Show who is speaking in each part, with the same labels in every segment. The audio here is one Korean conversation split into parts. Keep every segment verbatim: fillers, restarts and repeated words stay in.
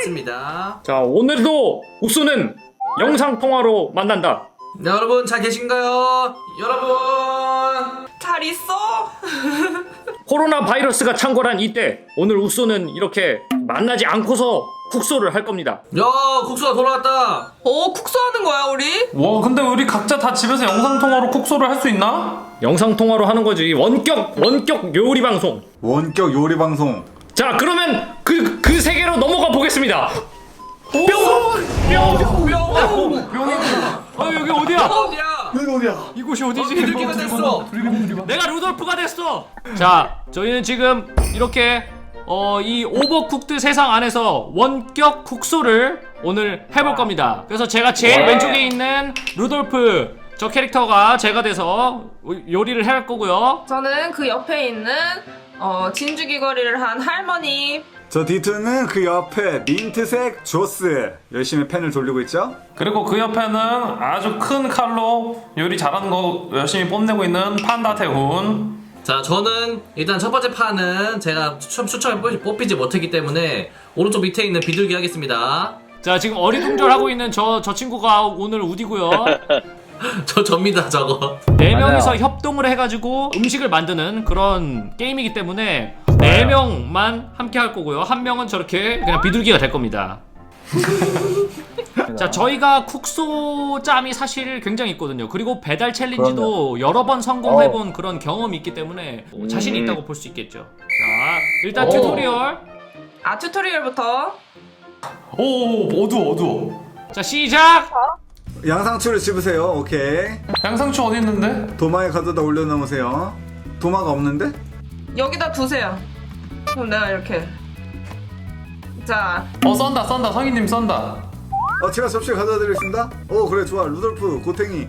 Speaker 1: 맞습니다.
Speaker 2: 자, 오늘도 옥수는 영상통화로 만난다.
Speaker 1: 네, 여러분 잘 계신가요? 여러분
Speaker 3: 잘 있어?
Speaker 2: 코로나 바이러스가 창궐한 이때 오늘 옥수는 이렇게 만나지 않고서 국소를 할 겁니다.
Speaker 1: 야, 국수가 돌아왔다.
Speaker 3: 어, 국수 하는 거야 우리?
Speaker 4: 와 근데 우리 각자 다 집에서 영상통화로 콕소를 할 수 있나?
Speaker 2: 영상통화로 하는 거지. 원격 원격 요리 방송.
Speaker 5: 원격 요리 방송.
Speaker 2: 자, 그러면 그 그 세계로 넘어가 보겠습니다. 뿅! 뿅! 뿅!
Speaker 4: 병이구나.
Speaker 2: 어, 여기 어디야?
Speaker 1: 어디야?
Speaker 5: 여기 어디야?
Speaker 2: 이곳이 어디지?
Speaker 1: 비둘기가 됐어.
Speaker 2: 내가 루돌프가 됐어. 자, 저희는 지금 이렇게 어, 이 오버쿡드 세상 안에서 원격 국소를 오늘 해볼 겁니다. 그래서 제가 제일 왼쪽에 있는 루돌프 저 캐릭터가 제가 돼서 요리를 할 거고요.
Speaker 3: 저는 그 옆에 있는 어, 진주귀걸이를 한 할머니.
Speaker 5: 저 디투는 그 옆에 민트색 조스 열심히 펜을 돌리고 있죠?
Speaker 4: 그리고 그 옆에는 아주 큰 칼로 요리 잘하는 거 열심히 뽐내고 있는 판다 태훈.
Speaker 1: 자, 저는 일단 첫 번째 판은 제가 추첨, 추첨에 뽑히- 뽑히지 못했기 때문에 오른쪽 밑에 있는 비둘기 하겠습니다.
Speaker 2: 자, 지금 어리둥절하고 있는 저, 저 친구가 오늘 우디고요.
Speaker 1: 저 접니다, 저거.
Speaker 2: 네 명이서 협동을 해가지고 음식을 만드는 그런 게임이기 때문에 네 명만 함께 할 거고요. 한 명은 저렇게 그냥 비둘기가 될 겁니다. 자, 저희가 쿡소 짬이 사실 굉장히 있거든요. 그리고 배달 챌린지도 여러 번 성공해본 그런 경험이 있기 때문에 뭐 자신이 있다고 볼 수 있겠죠. 자, 일단 튜토리얼.
Speaker 3: 아, 튜토리얼부터.
Speaker 4: 오 어두워 어두워.
Speaker 2: 자, 시작!
Speaker 5: 양상추를 집으세요. 오케이.
Speaker 4: 양상추 어디 있는데?
Speaker 5: 도마에 가져다 올려놓으세요. 도마가 없는데?
Speaker 3: 여기다 두세요. 그럼 내가 이렇게. 자,
Speaker 4: 어 썬다 썬다 성희님 썬다.
Speaker 5: 어, 제가 접시 가져다 드리겠습니다. 오, 그래, 좋아. 루돌프, 고탱이.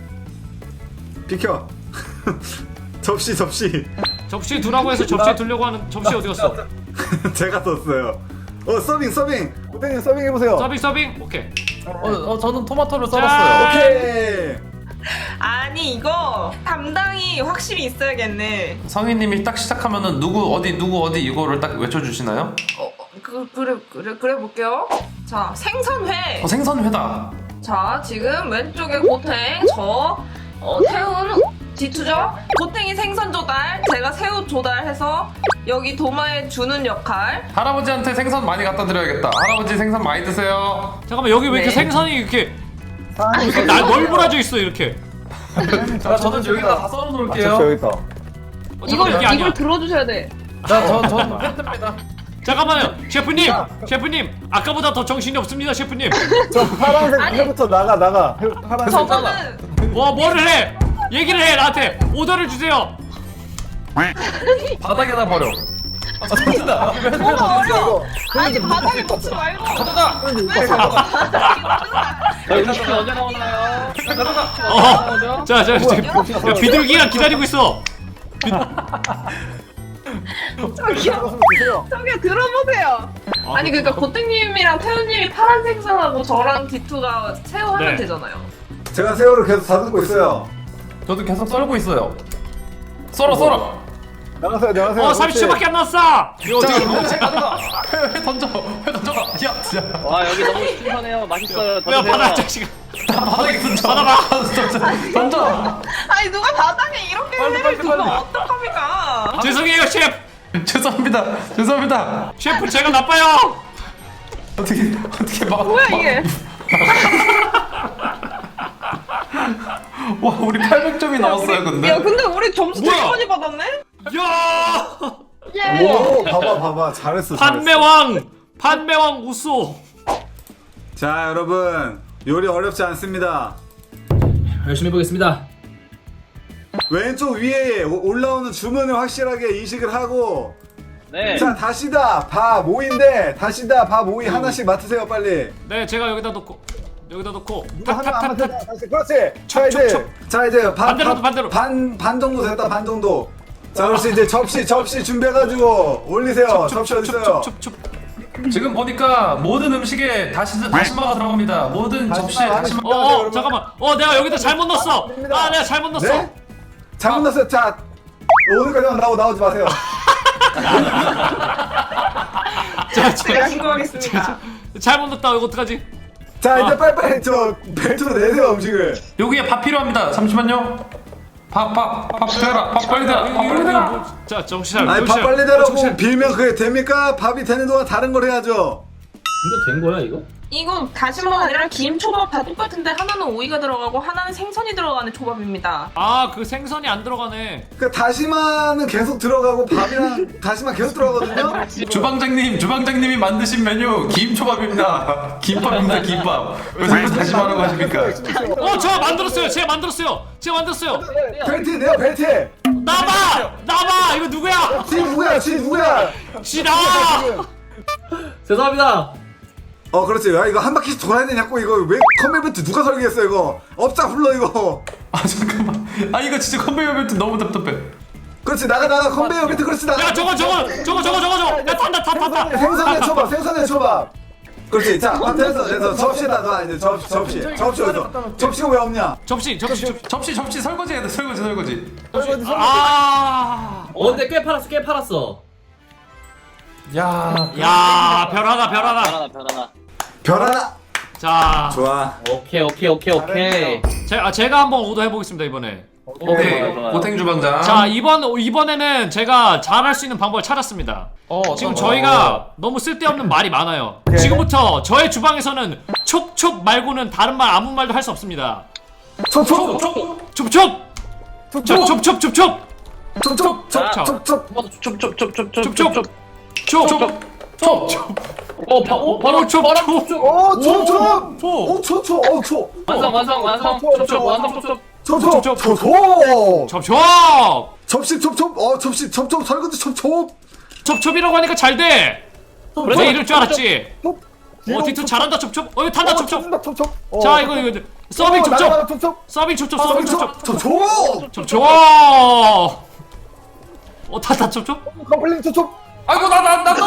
Speaker 5: 비켜. 접시, 접시.
Speaker 2: 접시에 두라고 해서 접시에 두려고 하는 접시 어디 갔어?
Speaker 5: 제가 썼어요. 어, 서빙, 서빙. 고탱이 서빙 해보세요.
Speaker 2: 서빙 서빙? 오케이.
Speaker 4: 어, 어 저는 토마토를
Speaker 2: 자.
Speaker 4: 썰었어요.
Speaker 5: 오케이.
Speaker 3: 아니 이거 담당이 확실히 있어야겠네.
Speaker 4: 성희님이 딱 시작하면은 누구 어디 누구 어디 이거를 딱 외쳐주시나요?
Speaker 3: 어, 그, 그래, 그래, 그래 볼게요. 자, 생선회.
Speaker 4: 어 생선회다.
Speaker 3: 자, 지금 왼쪽에 고탱, 저, 어, 태훈, 디투죠? 고탱이 생선 조달, 제가 새우 조달해서 여기 도마에 주는 역할.
Speaker 4: 할아버지한테 생선 많이 갖다 드려야겠다. 할아버지 생선 많이 드세요.
Speaker 2: 잠깐만, 여기 왜 이렇게
Speaker 3: 네.
Speaker 2: 생선이 이렇게 이렇게 날 널브러져 있어 이렇게.
Speaker 4: 자 저는 여기다 다 썰어 놓을게요.
Speaker 5: 여기 있다.
Speaker 2: 어, 잠깐만, 이게 아니야.
Speaker 3: 들어주셔야 돼.
Speaker 4: 자저저 팬입니다.
Speaker 2: 잠깐만요, 셰프님, 셰프님, 아까보다 더 정신이 없습니다, 셰프님.
Speaker 5: 저 파란색
Speaker 3: 아니.
Speaker 5: 회부터 나가, 나가. 회, 파란색.
Speaker 3: 저거는
Speaker 2: 와, 뭐를 해? 얘기를 해, 나한테 오더를 주세요.
Speaker 4: 바닥에다 버려. 아 진짜.
Speaker 3: 너무 어려워. 아니 바닥에 놓지 말고.
Speaker 4: 가져가.
Speaker 6: 음식이 언제 나오나요?
Speaker 2: 어, 자, 자, 지금 야, 비둘기가 기다리고 있어.
Speaker 3: 저기요. 저기요 들어보세요. 아니 그러니까 고탱님이랑 태훈님이 파란 생선하고 저랑 디투가 새우 하면
Speaker 2: 네.
Speaker 3: 되잖아요.
Speaker 5: 제가 새우를 계속 다듬고 있어요.
Speaker 4: 저도 계속 썰고 있어요. 썰어 썰어.
Speaker 5: 나가세요, 나가세요.
Speaker 2: 어, 삼십 초밖에 안 남았어. 이거 어떻게?
Speaker 4: 회 가져가. 회, 회 던져. 회 던져가. 야 진짜.
Speaker 6: 와 여기 너무 신선해요. 맛있어요.
Speaker 2: 야,
Speaker 6: 더
Speaker 2: 받아,
Speaker 6: 드세요.
Speaker 2: 자식아.
Speaker 4: 다 바닥에 던져.
Speaker 2: 받아봐.
Speaker 4: 던져. 던져.
Speaker 3: 아니 누가 바닥에 이렇게
Speaker 4: 빨리,
Speaker 3: 회를
Speaker 4: 빨리,
Speaker 3: 두면
Speaker 4: 빨리.
Speaker 3: 어떡합니까?
Speaker 2: 죄송해요, 셰프.
Speaker 4: 죄송합니다. 죄송합니다.
Speaker 2: 셰프, 제가 나빠요.
Speaker 4: 어떻게 어떻게 막.
Speaker 3: 뭐야
Speaker 4: 막-
Speaker 3: 이게?
Speaker 4: 와 우리 팔백 점이 나왔어요 근데.
Speaker 3: 야 근데 우리 점수 되게
Speaker 2: 뭐야?
Speaker 3: 많이 받았네?
Speaker 2: 야,
Speaker 3: 예.
Speaker 5: 오, 봐봐, 봐봐. 잘했어, 잘했어.
Speaker 2: 판매왕, 판매왕 우소.
Speaker 5: 자, 여러분. 요리 어렵지 않습니다.
Speaker 1: 열심히 해보겠습니다.
Speaker 5: 왼쪽 위에 오- 올라오는 주문을 확실하게 인식을 하고.
Speaker 6: 네.
Speaker 5: 자, 다시다. 밥 오이인데, 다시다. 밥 오이 하나씩 맡으세요, 빨리.
Speaker 2: 네, 제가 여기다 놓고 여기다 놓고
Speaker 5: 누가 하나 안
Speaker 2: 탁탁탁탁.
Speaker 5: 맡아. 다시. 그렇지. 자, 이제. 자, 이제 반,
Speaker 2: 반대로,
Speaker 5: 반-
Speaker 2: 반대로.
Speaker 5: 반, 반 정도 됐다, 반 정도. 자, 그렇지. 이제 접시, 접시 준비해가지고 올리세요. 접시 어딨어요?
Speaker 2: 춥춥.
Speaker 4: 지금 보니까 모든 음식에 다시 다시마가 들어갑니다. 모든 접시에
Speaker 5: 다시마,
Speaker 4: 다시마.
Speaker 2: 어, 어, 잠깐만. 어, 내가 여기다 잘못 넣었어. 아, 내가 잘못 넣었어.
Speaker 5: 네? 잘못 넣었어요. 자, 오늘까지만 나오, 나오지 마세요.
Speaker 2: 자,
Speaker 3: 제가
Speaker 2: 자,
Speaker 3: 신고하겠습니다.
Speaker 2: 잘못 넣었다. 이거 어떡하지?
Speaker 5: 자 이제
Speaker 2: 아.
Speaker 5: 빨리빨리 저 벨트로 내세요 음식을.
Speaker 4: 여기에 밥 필요합니다. 잠시만요. 밥, 밥, 밥 대라. 밥 빨리 대라. 밥 빨리 대라.
Speaker 2: 자, 정신 차려.
Speaker 5: 아니 밥
Speaker 2: 정신 차려.
Speaker 5: 빨리 대라고
Speaker 2: 정신 차려.
Speaker 5: 빌면 그게 됩니까? 밥이 되는 동안 다른 걸 해야죠.
Speaker 1: 이거 된 거야 이거?
Speaker 3: 이거 다시마가 아니라 김 초밥 다 똑같은데 하나는 오이가 들어가고 하나는 생선이 들어가는 초밥입니다.
Speaker 2: 아, 그 생선이 안 들어가네.
Speaker 5: 그 다시마는 계속 들어가고 밥이랑 다시마 계속 들어가거든요.
Speaker 4: 주방장님, 주방장님이 만드신 메뉴 김초밥입니다. 김밥입니다, 김밥. 왜 자꾸 다시 말하고 하십니까?
Speaker 2: 어, 저 만들었어요. 제가 만들었어요. 제가 만들었어요.
Speaker 5: 벨트 내요 벨트.
Speaker 2: 나봐! 나봐! 이거 누구야?
Speaker 5: 지 누구야 지 누구야?
Speaker 2: 씨 나와!
Speaker 1: 죄송합니다.
Speaker 5: 어 그렇지. 야 이거 한 바퀴씩 돌아야 되냐고 이거 왜 컨베이어 벨트 누가 설계했어 이거? 업자 불러 이거.
Speaker 4: 아, 잠깐만. 아, 이거 진짜 컨베이어 벨트 너무 답답해.
Speaker 5: 그렇지 나가 나가 컨베이어 벨트 그렇지 나가.
Speaker 2: 야, 저거 저거 저거 저거 저거 저거. 야, 탄다 탄다 탄다.
Speaker 5: 생선의 초밥 생선의 초밥. 그렇지 자 됐어 됐어 접시다 놔 이제 접시 접시 접시 어디서? 접시가 왜 없냐?
Speaker 2: 접시 접시 접시.
Speaker 4: 접시, 접시 설거지 해야 돼, 설거지, 설거지.
Speaker 2: 아.
Speaker 1: 어 근데 꽤 팔았어 꽤 팔았어.
Speaker 4: 야,
Speaker 2: 야, 별 하나 별 하나.
Speaker 6: 변하나 변하나.
Speaker 5: 별 하나.
Speaker 2: 자,
Speaker 5: 좋아.
Speaker 1: 오케이 오케이 오케이 오케이.
Speaker 2: 제, 아, 제가 한번 오더 해보겠습니다 이번에.
Speaker 4: 오케이.
Speaker 6: 좋아요, 좋아요.
Speaker 4: 고탱 주방장.
Speaker 2: 자, 이번 이번에는 제가 잘할 수 있는 방법을 찾았습니다.
Speaker 4: 어,
Speaker 2: 지금
Speaker 4: 어,
Speaker 2: 저희가 너무 쓸데없는 말이 많아요. 지금부터 저의 주방에서는 촉촉 말고는 다른 말 아무 말도 할 수 없습니다.
Speaker 5: 촉촉
Speaker 2: 촉촉! 촉촉촉촉촉촉!
Speaker 5: 촉촉
Speaker 2: 자.
Speaker 5: 촉촉.
Speaker 6: 촉촉촉촉촉촉촉.
Speaker 2: 촉촉! 촉촉!
Speaker 1: 어 바, 어,
Speaker 2: 바로 촉촉!
Speaker 5: 오 촉촉. 오 촉촉. 오 촉.
Speaker 6: 완성 완성 완성. 촉촉 완성 촉촉.
Speaker 5: 촉촉.
Speaker 2: 촉촉.
Speaker 5: 촉촉.
Speaker 2: 촉촉!
Speaker 5: 접시 촉촉. 어 접시 촉촉 설거지 촉촉.
Speaker 2: 촉촉이라고 하니까 잘 돼! 내 이럴 줄 알았지?
Speaker 5: 촉.
Speaker 2: 어, 디투 잘한다 촉촉! 어, 이거 탄다 촉촉!
Speaker 5: 촉촉. 촉촉. 어.
Speaker 2: 자, 이거 이거 서빙
Speaker 5: 어, 나가라,
Speaker 2: 촉촉!
Speaker 5: 촉촉.
Speaker 2: 서빙 촉촉! 서빙 촉촉!
Speaker 5: 촉촉.
Speaker 2: 촉촉! 어, 탄다 촉촉?
Speaker 5: 컴플레인 촉촉.
Speaker 4: 아이고, 나, 나, 나, 나,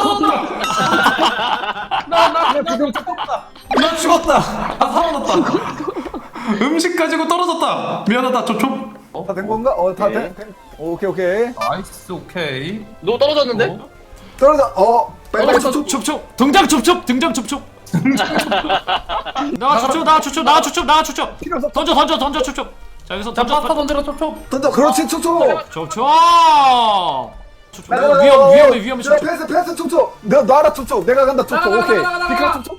Speaker 5: 나나 지금 촉촉.
Speaker 4: 나 죽었다. 아, 살아났다. 음식 가지고 떨어졌다. 미안하다, 촉촉.
Speaker 5: 다 된 건가? 어다 된. 오케이 오케이.
Speaker 4: 나이스, 오케이.
Speaker 6: 너 떨어졌는데?
Speaker 5: 떨어져. 어. 빨리 촉촉.
Speaker 2: 촉촉! 등장 촉촉! 등장 촉촉! 나와 촉촉! 나와 촉촉! 나와 촉촉! 나와 촉촉!
Speaker 5: 필요 없어.
Speaker 2: 던져 던져 던져 촉촉! 자, 여기서 던져
Speaker 4: 파스타
Speaker 2: 던져
Speaker 4: 던지라, 촉촉.
Speaker 5: 던져. 그렇지 촉촉.
Speaker 2: 촉촉! 촉촉! 위험 위험해 위험해 촉촉!
Speaker 5: 패스 패스 촉촉. 내가 놔라 촉촉. 내가 간다 촉촉. 오케이. 비카 촉촉.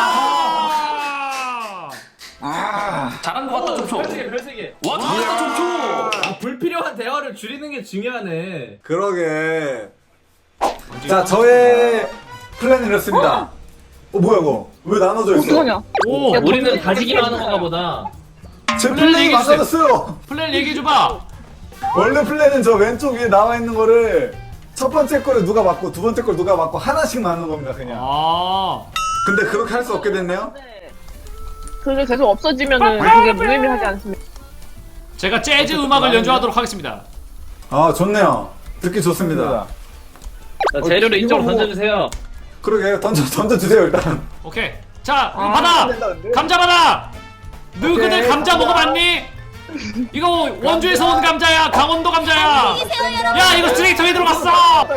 Speaker 2: 아!
Speaker 4: 잘한 것 같다, 촉촉.
Speaker 1: 별세개 별세개.
Speaker 4: 와, 잘했다, 촉촉.
Speaker 1: 아, 불필요한 대화를 줄이는 게 중요하네.
Speaker 5: 그러게. 자 저의 플랜은 이렇습니다. 어 뭐야 이거? 왜 나눠져 있어?
Speaker 3: 어떡하냐?
Speaker 2: 오!
Speaker 1: 우리는 가지기로 하는 건가 보다.
Speaker 5: 제
Speaker 2: 플랜
Speaker 5: 플랜이
Speaker 2: 얘기해주세요.
Speaker 5: 망가졌어요.
Speaker 2: 플랜 얘기해줘봐!
Speaker 5: 원래 플랜은 저 왼쪽 위에 나와 있는 거를 첫 번째 거를 누가 맞고 두 번째 걸 누가 맞고 하나씩 맞는 겁니다 그냥.
Speaker 2: 아!
Speaker 5: 근데 그렇게 할 수 없게 됐네요.
Speaker 3: 그게 계속 없어지면은 그게 무의미하지 않습니다.
Speaker 2: 제가 재즈 음악을 연주하도록 하겠습니다.
Speaker 5: 아 좋네요. 듣기 좋습니다.
Speaker 6: 자, 재료를 이쪽으로 던져주세요.
Speaker 5: 그러게 던져 던져 주세요 일단.
Speaker 2: 오케이. 자, 이거 받아! 감자 받아! 너희들 감자 먹어봤니? 이거 원주에서 온 감자야. 강원도 감자야. 야, 이거 쓰레기통에 들어갔어.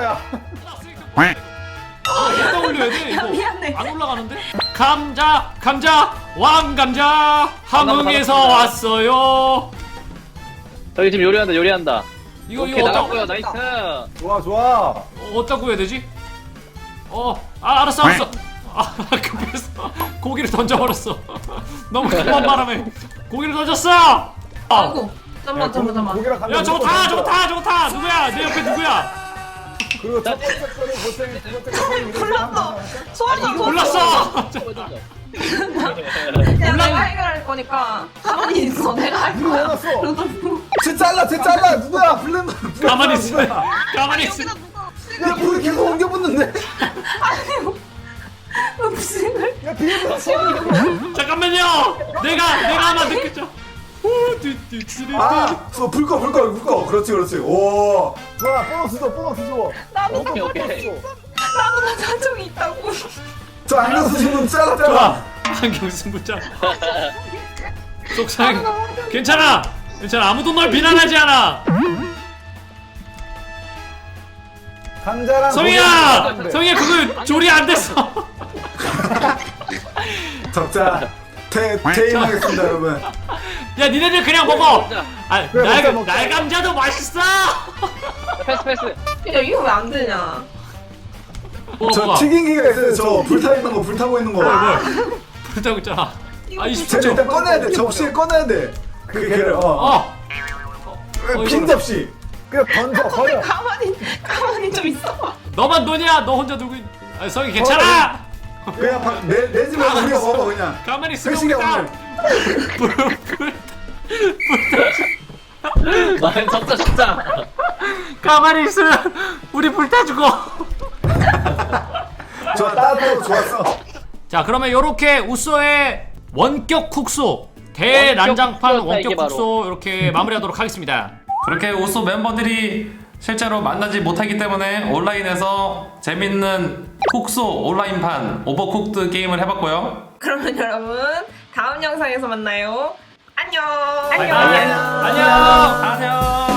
Speaker 2: 어디다 올려야 돼? 이거
Speaker 3: 미안해.
Speaker 2: 안 올라가는데? 감자, 감자, 왕감자 함흥에서 왔어요.
Speaker 6: 저기 지금 요리한다 요리한다.
Speaker 2: 이거
Speaker 6: 오케이
Speaker 2: 이거 어디다
Speaker 6: 나갔고요 나이스.
Speaker 5: 좋아 좋아.
Speaker 2: 어, 어디다 구해야 되지? 어, 아, 알았어, 알았어. 아, 급해서 고기를 던져버렸어. 너무 급한 바람에 고기를 던졌어.
Speaker 3: 아이고. 잠깐만 잠깐만 잠깐만.
Speaker 5: 고기랑 감자
Speaker 2: 야, 저거
Speaker 5: 먹고
Speaker 2: 타, 저거 타, 저거 타. 누구야? 내 옆에 누구야?
Speaker 5: 그리고 첫 번째 거를 고생 두 번째 거를 이렇게
Speaker 3: 몰랐어. 소환사
Speaker 2: 몰랐어.
Speaker 3: 내가 해결할 거니까 가만히 있어. 내가 할
Speaker 5: 누구
Speaker 3: 거야.
Speaker 5: 원했어? 쟤 잘라 쟤 잘라 누구야 블랙
Speaker 2: 가만히 있어. 가만히 있어.
Speaker 5: 야 불이 계속 옮겨 붙는데.
Speaker 3: 음식을
Speaker 5: 야 비밀
Speaker 2: 잠깐만요. 내가 내가 하나 느꼈죠.
Speaker 5: 아, 저 불꺼 불꺼 불꺼. 그렇지 그렇지. 오, 좋아. 보너스 줘 보너스 줘.
Speaker 3: 나도
Speaker 6: 오케이 오케이.
Speaker 3: 나보다 사정이 있다고.
Speaker 5: 저 안경 쓰신 분 잘라 잘라.
Speaker 2: 좋아. 안경 승부자. 속상해. 괜찮아. 괜찮아. 아무도 널 비난하지 않아.
Speaker 5: 상자랑
Speaker 2: 성희야!
Speaker 5: 고기
Speaker 2: 성희야 그거 조리 안 됐어.
Speaker 5: 적자 태 퇴임하겠습니다 여러분.
Speaker 2: 야 니네들 그냥 먹어. 아,
Speaker 5: 그래, 먹자,
Speaker 2: 날,
Speaker 5: 먹자.
Speaker 2: 날감자도 맛있어.
Speaker 6: 패스 패스.
Speaker 3: 야 이거 왜 안 되냐?
Speaker 2: 뭐,
Speaker 5: 저
Speaker 2: 뭐가?
Speaker 5: 튀김기가 있어요. 저 불타 있는 거 불타고 있는 거.
Speaker 2: 불타고 있잖아. 아
Speaker 5: 쟤를
Speaker 2: 이십 초.
Speaker 5: 일단 꺼내야 돼. 접시에 꺼내야 돼. 그 걔를 어.
Speaker 2: 어.
Speaker 5: 빈 접시. 그냥 던져 버려.
Speaker 3: 가만히 가만히 좀 있어.
Speaker 2: 너만 돈이야. 너 혼자 들고. 있... 아 성희 괜찮아.
Speaker 5: 그냥 바, 내, 내지 말고 우리가 먹어 그냥.
Speaker 2: 가만히 있으면
Speaker 5: 회식이야
Speaker 2: 우리가
Speaker 5: 오늘.
Speaker 2: 불, 불,
Speaker 6: 나 적자 적자.
Speaker 2: 가만히 있으면 우리 불타 죽어.
Speaker 5: 좋아 따뜻하고 좋았어.
Speaker 2: 자 그러면 요렇게 우쏘의 원격 국소 대난장판
Speaker 6: 원격 국소였다,
Speaker 2: 원격
Speaker 6: 이게 바로.
Speaker 2: 국소 이렇게 마무리하도록 하겠습니다.
Speaker 4: 그렇게 우소 멤버들이 실제로 만나지 못하기 때문에 온라인에서 재밌는 쿡소 온라인판 오버쿡드 게임을 해봤고요.
Speaker 3: 그러면 여러분 다음 영상에서 만나요. 안녕.
Speaker 2: 안녕.
Speaker 4: 안녕.